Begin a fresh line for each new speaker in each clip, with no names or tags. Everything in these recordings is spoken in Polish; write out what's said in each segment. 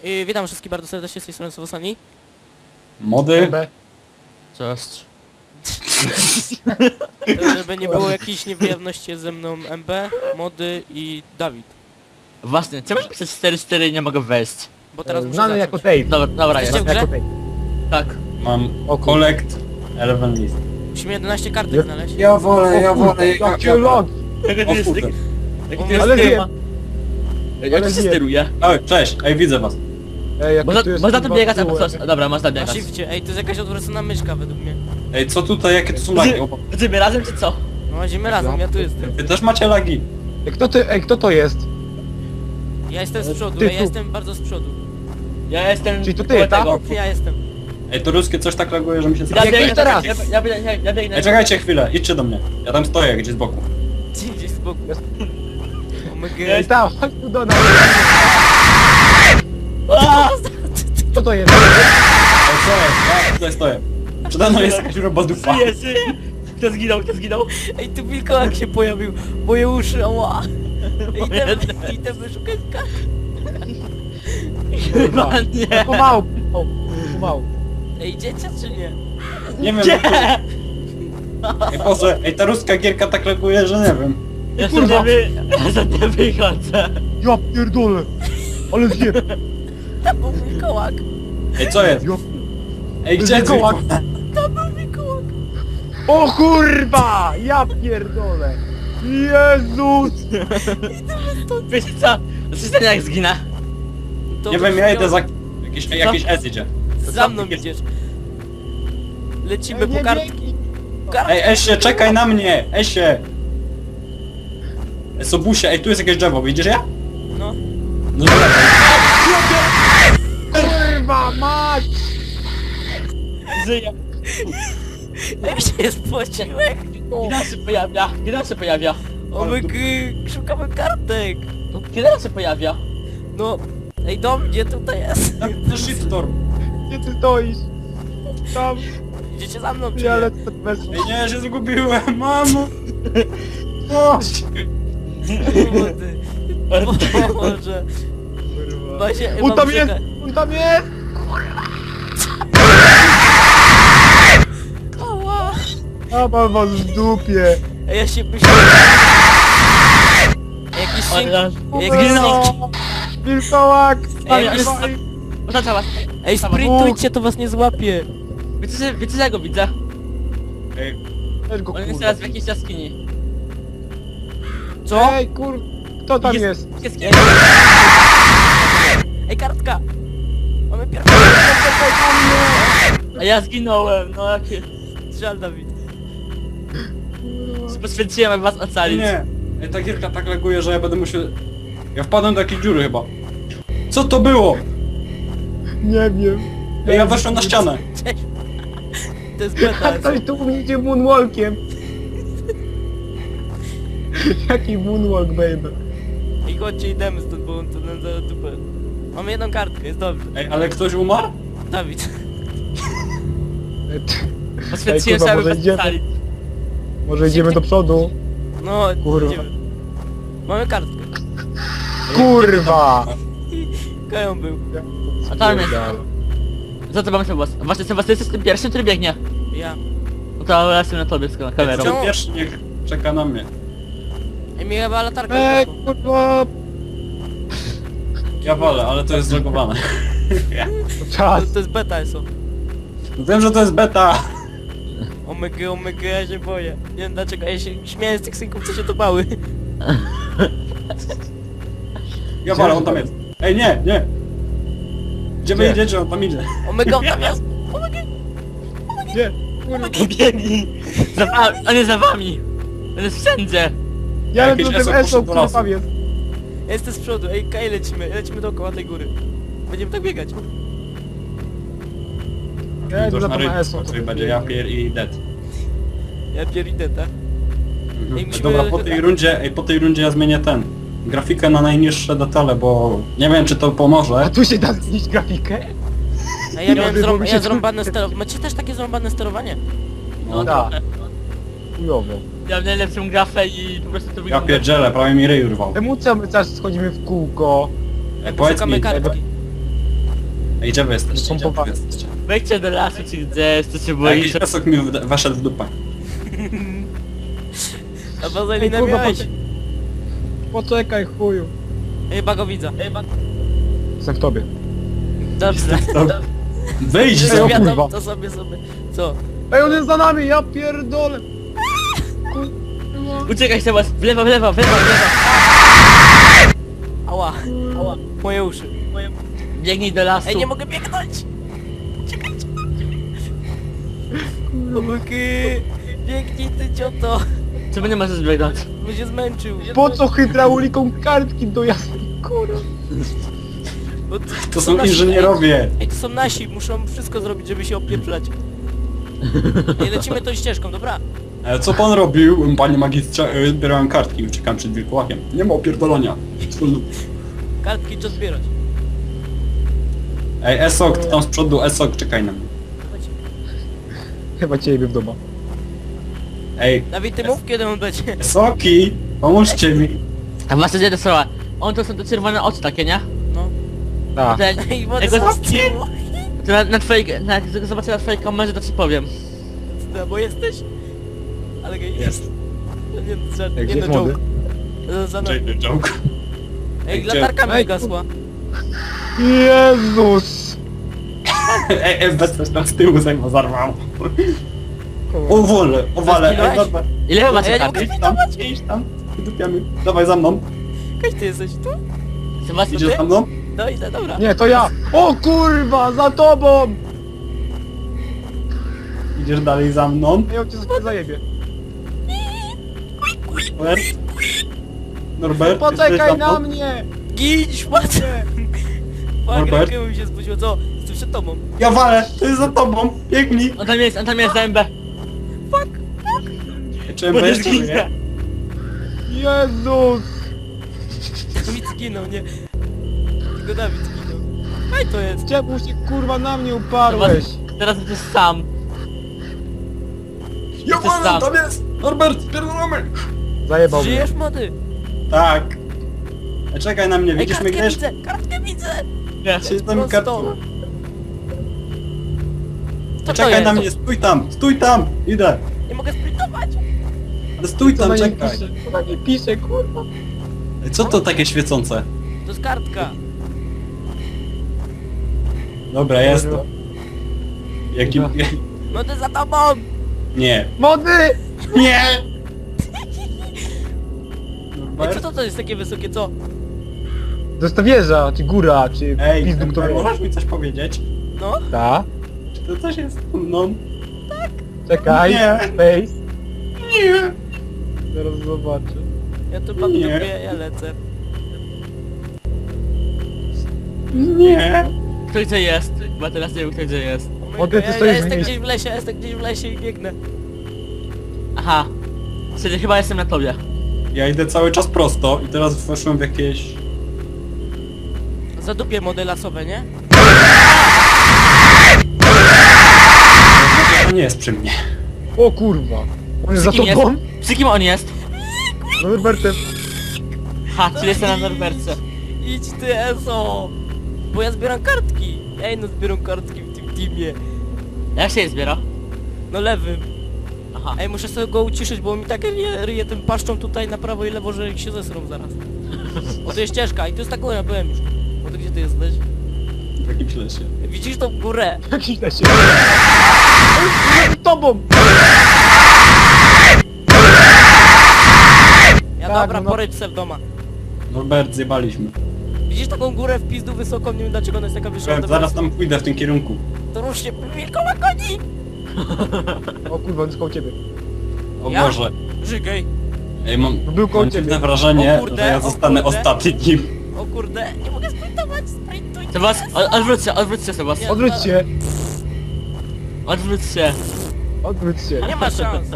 Witam wszystkich bardzo serdecznie z tej strony Sowosani.
Mody?
Cześć.
Żeby nie było jakiejś niewierności, jest ze mną MB, Mody i Dawid.
Właśnie, czemu pisać 4-4 i nie mogę wejść?
Bo teraz muszę
Znany
zacząć.
jako Tate.
Dobra,
Jesteście
jest.
w grze?
Jako Tate.
Tak.
Mam
O kur-
collect 11 list.
Musimy 11 kartek znaleźć.
Ja wolę.
Jakie logi!
Jak
O
to jest,
kurde.
jak to
Ale
jest
wiem.
temat? Jak to się
wiem.
steruje?
Oj, cześć, ej, widzę was.
Ej, jak
Można,
tu jest
można to
kurwa
biegać albo
tyłek.
coś. Dobra, można
Na
biegać.
shifcie. Ej, to jest jakaś odwrócona myszka według mnie.
Ej, co tutaj, jakie to są lagi? O,
Będziemy razem czy co?
No chodzimy razem, ja tu jestem.
wy też macie lagi?
Ej, kto to jest?
Ja jestem z przodu,
Ty
ja
tu.
jestem bardzo z przodu.
Ja jestem...
Czyli to ty,
koło
tak?
tego.
Ja jestem.
Ej, to ruskie coś tak laguje, że mi się
Ja
straszy.
biegnę
teraz.
Ja biegnę.
Ej, czekajcie chwilę, idźcie do mnie. Ja tam stoję gdzieś z boku.
Gdzieś z boku.
Jest.
O my
Ej,
god.
tam, chodź tu do nas.
Aaa!
Kto to jest?
Ej, co jest? Ja tutaj stoję. Przede mną jest jakaś robodupa.
Żyję. Kto zginął?
Ej, tu wilkołak się pojawił. Moje uszy, ała. Idę wyszukać kartę.
Chyba nie.
Pomału. Pomału.
Ej, idziecie czy nie?
Nie wiem,
Nie!
ej, Boże, ej, ta ruska gierka tak laguje, że nie wiem.
Ja
Kurwa.
sobie nie wychodzę.
Ja pierdolę. Ale zje.
Tam był wilkołak.
Ej, co jest?
Ja...
Ej, gdzie jest
Wilkołak?
Tam był wilkołak.
O kurwa! Ja pierdolę. Jezus!
Wiecie co? Słyszcie jak zginę?
To
Nie wiem, ja idę za... Jakiś S idzie.
Za mną idziesz. Lecimy
Ej,
po
nie
kartki.
biegnij.
Ej, Esie, czekaj na mnie! Esie! Sobusie, ej, tu jest jakieś drzewo, widzisz je?
No.
No dobra.
Kurwa mać!
Żyję.
Jak się spociłek.
Kiedy on się pojawia?
O my szukamy kartek.
Kiedy on się pojawia?
No. Ej, do mnie tutaj jest.
To shitstorm.
Gdzie ty stoisz? Tam.
Idziecie za mną czy
Ja
nie?
lecę bez...
Ej, nie, się zgubiłem, mamo!
O!
Młody. Boże. Właśnie,
On
mam
tam jest!
czekać.
On tam jest!
Ała.
A mam was w dupie!
Ej, ja się myślę. Jakiś synk. Jakiś
Zginął.
synk.
Wilkołak!
Ej,
Dawaj.
Oznacza was.
Ej, sprintujcie, to was nie złapie.
Wiecie, że ja go widzę?
Ej,
Weź go,
On jest
kurwa.
teraz w jakiejś jaskini.
Co?
Ej, kur... Kto tam jest?
Jaskini.
Ej, kartka. Mamy pierwszą.
A ja zginąłem, no jakie...
Żal, Dawid.
Poświęciłem, aby was ocalić.
nie. Ej, ta gierka tak laguje, że ja będę musiał... Ja wpadłem do jakiejś dziury chyba. Co to było?
Nie wiem.
Ej, ja weszłem na ścianę.
Cześć. To jest beta.
A ktoś tu idzie moonwalkiem. Jaki moonwalk, baby.
I chodźcie, idziemy stąd, bo on to nam za dupę. Mamy jedną kartkę, jest dobrze.
Ej, ale ktoś umarł?
Dawid.
Poświęciłem
Ej,
się,
kurwa,
aby
może
was
idziemy?
ocalić.
Może idziemy do przodu?
No,
Kurwa.
idziemy. Mamy kartkę.
Kurwa!
Kają był.
A tam jest. Za to mam was. Właśnie, Sebastian, jesteś tym pierwszym, który biegnie.
Ja.
No to ja jestem na tobie z kamerą.
Czemu?
Ten pierwszy niech czeka na mnie.
Ej, mi chyba latarka
Ej,
wyszła.
kurwa!
Ja wolę, ale to jest zlogowane.
Czas!
To jest beta, eso.
Wiem, że to jest beta.
Omega, ja się boję. Nie wiem dlaczego, ja się śmieję z tych synków, co się to bały.
Ja wolę, on tam jest. Ej, nie, nie. Gdzie wy
Gdzie?
idziecie, on tam idzie.
Omega, tam jest. Omega.
Nie! Kurwa!
Biegnij! Za wami, on jest za wami! On jest wszędzie!
Ja
Jakiś
lecę tym
esok
esą,
poszedł do
który
lasu.
tam jest.
Ja jestem z przodu, ej, Kaj, lecimy dookoła tej góry. Będziemy tak biegać.
Ja
To
idę
już
za
na
tą
rynku,
esą.
który będzie Japier i Dead.
Ja idę, tak? Ej, musimy-
Dobra, po tej rundzie ja zmienię grafikę na najniższe detale, bo nie wiem czy to
A
pomoże.
tu się da zniszczyć grafikę?
A ja
Nie,
miałem
bo mi się
zrąbane
tu-
sterowanie. Macie też takie zrąbane sterowanie?
No
tak.
trochę.
Chujowo.
Ja mam najlepszą grafę i po prostu to
Ja
wygląda...
pierdzielę, prawie mi ryj urwał.
Czemu co my cały czas schodzimy w kółko?
Ej, powiedz
Szukamy
mi,
kartki.
Ej, gdzie wy jesteście? Gdzie wy
Pompowany.
jesteście?
Wejdźcie do lasu czy gdzieś, co się
Jakiś
boisz.
esok mi weszedł w dupę.
A wazelinę
Kurwa,
miałeś?
Poczekaj, chuju.
Chyba go widzę.
Jestem w tobie.
Dobrze.
Wyjdź
Ej,
z
o
Ja
kurwa.
to sobie. Co?
Ej, on jest za nami, ja pierdolę. Kurwa.
Uciekaj Sebas, w lewo, w lewo, w lewo, w lewo.
Ała. Moje uszy.
Biegnij do lasu.
Ej, nie mogę biegnąć! Czekajcie! Okej. Biegnij ty cioto!
Czemu nie możesz biegnąć?
Bo się zmęczył.
Po co hydrauliką kartki do jasnej kurwa?
Bo
To są inżynierowie.
Ej, to są nasi, muszą wszystko zrobić, żeby się opieprzać. Ej, lecimy tą ścieżką, dobra?
Co pan robił, panie magistrze? Zbierałem kartki, uciekam przed wilkołakiem. Nie ma opierdolenia.
Kartki trzeba zbierać.
Ej, esok, ty tam z przodu, esok, czekaj na mnie.
Chodź.
Chyba ciebie w domu.
Ej,
Dawid, ty mów, kiedy on będzie.
esoki, pomóżcie mi.
A właśnie gdzie to słowa? On to są te czerwone oczy takie, nie?
No.
Tak.
Ej, wodę
Ego-
zastiło.
To na twojej, jak zobaczę na twojej kamerze, to ci powiem.
Bo jesteś? Ale gej.
Jest.
Nie,
Ej,
nie
gdzie
no
jest młody?
joke. Za nami.
Joke.
Ej,
Gdzie?
latarka mi
Ej,
gasła.
Jezus!
Ej, bez coś tam z tyłu zajmo zarwał. O wale,
Zginąłeś?
dobra.
Ile wy macie
ja nie
karty?
Idź tam, dupiamy. Dawaj za mną.
Kaś, ty jesteś tu?
Sebastian,
Idziesz za mną?
No idę, dobra.
Nie, to ja! O kurwa, za tobą!
Idziesz dalej za mną.
Ja cię sobie zajebie.
Norbert? Norbert, jesteś za
Poczekaj
mną?
na mnie!
Gidź, szmatę!
Norbert?
Rękę mi się spuściło, co? Jestem przed tobą.
Ja walę, to jest za tobą. Biegnij.
on tam jest, za MB.
Czy
Bo nie
jeszcze
zginę.
żyje?
Jezus!
Dawid zginął, nie? Tylko Dawid zginął. Kaj to jest?
Czemu się kurwa na mnie uparłeś?
Teraz jesteś sam.
Ja
Jesteś
walę,
sam.
tam jest. Norbert, spierdolamy.
Zajebał mnie.
Żyjesz, młody?
Tak. Czekaj na mnie,
Ej,
widzisz mnie
kartkę
gdzieś?
widzę! Kartkę widzę!
Nie.
Siedź tam
Prosto.
kartą.
Co to
Czekaj
jest?
na mnie, stój tam, idę.
Nie mogę sprintować!
Ale stój
Co
tam,
na nie
czekaj.
pisze? Co na nie pisze, kurwa?
Co to takie świecące?
To jest kartka.
Dobra, jest to. Jaki...
Młody za tobą!
Nie.
Mody!
Nie!
Ej, co to jest takie wysokie, co?
To jest ta wieża, czy góra, czy
Ej,
pizdu, który...
możesz mi coś powiedzieć?
No?
Ta?
Czy to coś jest ze mną?
Czekaj,
Nie.
space.
Nie.
Zaraz zobaczę.
Ja tu mam
Nie.
dupie, ja lecę.
Nie.
Kto gdzie jest? Bo teraz nie wiem kto gdzie jest.
Młody, ty
Ja
stoisz w
jestem
miejscu.
gdzieś w lesie, jestem gdzieś w lesie i biegnę.
Aha. Czyli chyba jestem na tobie.
Ja idę cały czas prosto i teraz weszłem w jakieś...
Zadupię mody lasowe, nie?
To nie jest przy mnie.
O kurwa. On jest za
Przy kim
tobą?
Przy kim on jest?
No Norbertem.
Ha, czyli jestem na Norberce.
Idź ty, Eso! Bo ja zbieram kartki. Ej, no zbieram kartki w tym teamie.
Jak się je zbiera?
No lewym.
Aha.
Ej, muszę sobie go uciszyć, bo mi tak ryje tym paszczą tutaj na prawo i lewo, że się zesrą zaraz. O, to jest ścieżka i to jest ta góra, byłem już. O, to gdzie ty jesteś?
W jakimś lesie.
Widzisz tą górę?
Jakiś na siebie. Z tobą!
Ja
Tak,
dobra,
no.
poryć se w doma.
Norbert, zjebaliśmy.
Widzisz taką górę w pizdu wysoką, nie wiem dlaczego ona jest taka wyższa.
Zaraz tam pójdę w tym kierunku.
To rusz się, wilkoła goni!
O kurwa, on jest koło ciebie.
O
Ja?
Boże.
Żygaj.
Ej, mam
Był koło
mam
ciebie.
dziwne wrażenie,
O kurde,
że ja
o
zostanę
kurde.
ostatnim.
O kurde, nie mogę sprintować, sprintuj.
Sebas, odwróć się Sebas.
Nie.
Odwróć się.
Odwróć się.
Odwróć się.
Nie ma szans.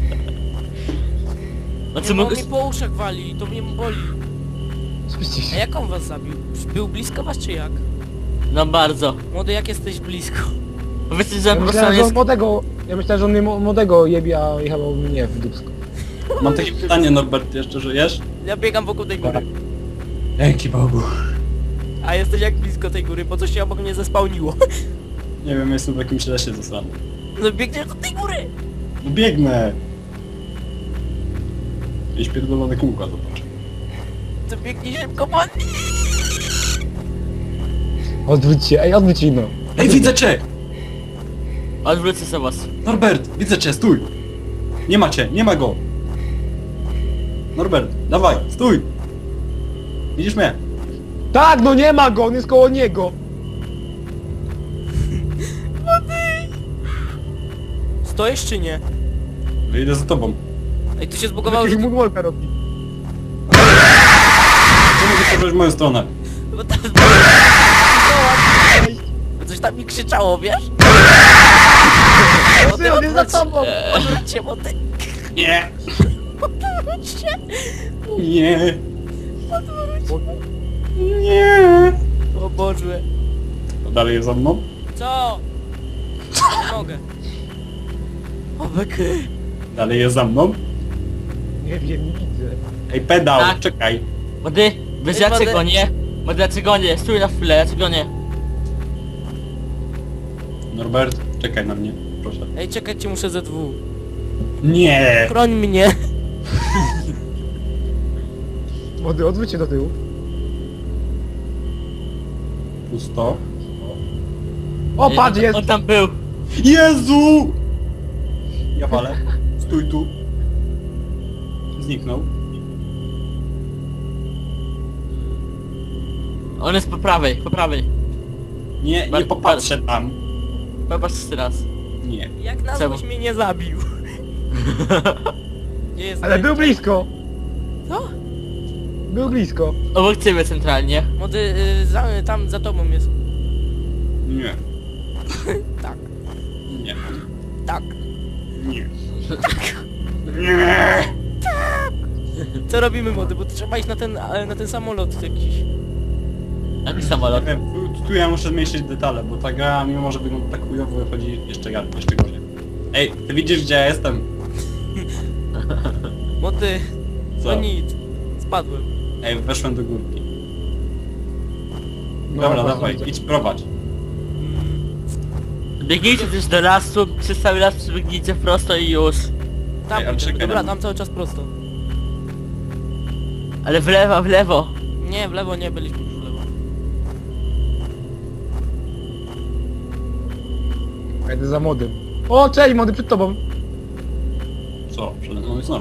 Znaczy
Nie, bo
mógł...
mi po uszach wali i to mnie boli.
Spójrzcie
A
się.
jak on was zabił? Był blisko was czy jak?
No bardzo.
Młody, jak jesteś blisko?
Powiedzcie, że
Ja
po prostu
myślałem,
on
że on
jest...
młodego... Ja myślałem, że on mnie młodego jebie, a jechał mnie w dupsko.
Mam takie pytanie, Norbert, jeszcze żyjesz?
Ja biegam wokół tej góry.
Dzięki Bogu.
A jesteś jak blisko tej góry, po co się obok mnie zespałniło?
Nie wiem, jestem w jakimś lesie zasrany.
No biegniesz do tej góry!
No biegnę! Jakieś pierdolone kółka, zobacz.
To biegnie szybko, man!
Odwróć się, ej, odwróć się, no.
Ej, widzę cię!
Odwrócę sobie was.
Norbert, widzę cię, stój! Nie ma cię, nie ma go! Norbert, dawaj, stój! Widzisz mnie?
Tak, no nie ma go, on jest koło niego.
Stoisz czy nie?
Wyjdę za tobą.
Ej, tu się zbugowało,
Jakiś
że...
moonwalka robi.
Czemu wyszedłeś w moją stronę?
Bo tam... Bo coś tam mi krzyczało, wiesz?
Ty, on jest za tobą.
Odwróćcie, bo ty...
Nie!
Odwróćcie!
Nie!
Odwróćcie!
Nie!
O Boże.
To dalej jest za mną?
Co? Nie mogę. O beky.
Dalej jest za mną?
Nie wiem, nie widzę.
Ej, pedał,
Tak.
czekaj.
Młody, wiesz
Ej,
dlaczego
młody.
nie? Młody, dlaczego nie? Stój na chwilę, dlaczego nie?
Norbert, czekaj na mnie, proszę.
Ej, czekajcie, muszę ze dwóch.
Nie!
Chroń mnie.
Młody, odwróć się do tyłu.
Pusto.
O, patrz, jest.
On tam był.
Jezu! Ja walę. Stój tu. Zniknął.
On jest po prawej, po prawej.
Nie, nie popatrzę tam.
Popatrz teraz.
Nie.
Jak na
Czemu?
złość mnie nie zabił. Nie jest
Ale był blisko.
Co?
Był blisko.
Obok ciebie centralnie.
Młody, tam za tobą jest.
Nie.
Tak,
Nie.
tak.
Nie. Nie.
Co robimy, młody? Bo trzeba iść na ten samolot jakiś.
Jaki samolot?
Nie wiem, tu ja muszę zmniejszyć detale, bo ta gra, mimo że wygląda tak chujowo, wychodzi jeszcze gorzej. Ej, ty widzisz gdzie ja jestem?
Młody,
Co?
no nic. Spadłem.
Ej, weszłem do górki.
No,
Dobra,
właśnie
dawaj,
widzę.
idź prowadź.
Biegnijcie też do lasu, przez cały las przebiegnijcie prosto i już.
Tam
Ej, ale
idziemy.
czekaj
Dobra,
na mnie.
tam cały czas prosto.
Ale w lewo, w lewo.
Nie, w lewo nie byliśmy już w lewo.
Jedę za młodym. O, cześć, młody, przed tobą.
Co? Przede mną jest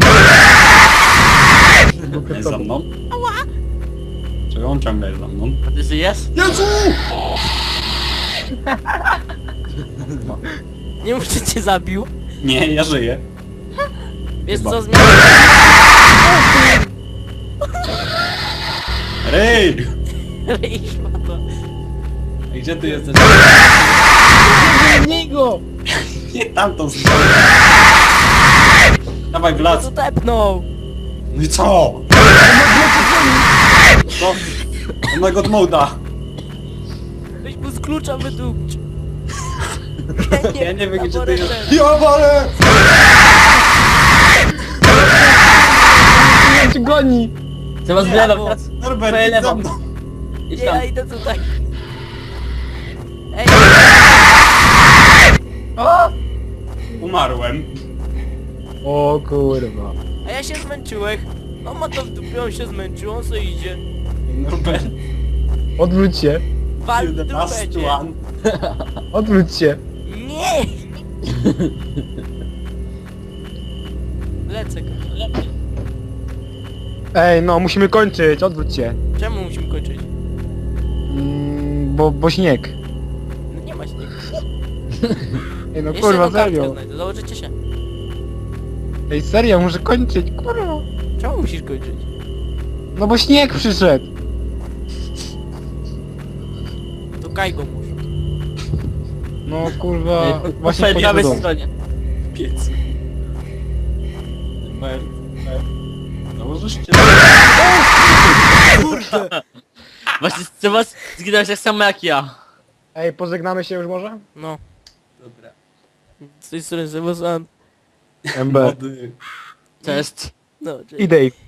Był przed
Jest za
tobą.
mną? Czego on ciągle jest za mną?
A ty żyjesz?
Jezu!
Nie mów, że cię zabił.
Nie, ja żyję.
Wiesz
Chyba.
co, zmiana...
Rej!
Rej, szmato.
Ej, gdzie ty jesteś?
Nie go!
Nie tamtą stronę. Dawaj w
No
las.
to tepnął.
No i co? Co? On ma god moda.
Weź mu z klucza wydupć.
Ja nie wiem gdzie ty
laboratory.
jesteś. Ja walę!
Nie cię goni!
Trzeba z
Nie,
lewo
bo-
teraz.
Norbert,
Twoje
idź za
lewo.
mną.
Idź
Nie,
tam.
ja idę tutaj. Ej,
Umarłem.
O kurwa.
a ja się zmęczyłem. No ma to w dupie, on się zmęczył, on co idzie.
Norbert,
Odwróć się.
Wal
you're
w
the
dupę
last
cię.
one.
Odwróć się.
Nie! Lecę.
Ej, no, musimy kończyć, odwróć się.
Czemu musimy kończyć?
Bo śnieg.
No nie ma śniegu.
Ej, no
Jeszcze
kurwa,
jedną kartkę
serio.
znajdę, założycie się.
Ej, serio, muszę kończyć, kurwa.
Czemu musisz kończyć?
No bo śnieg przyszedł.
To kaj go może.
No kurwa,
Po
właśnie
twojej prawej
poszedłem.
stronie.
Piec. Norbert. Założysz cię.
Właśnie trzeba zginąć tak samo jak ja.
Ej, pożegnamy się już może?
No.
Dobra.
Z tej strony Sebastian.
MB.
Młody.
Cześć.
No, cześć.
I Dave.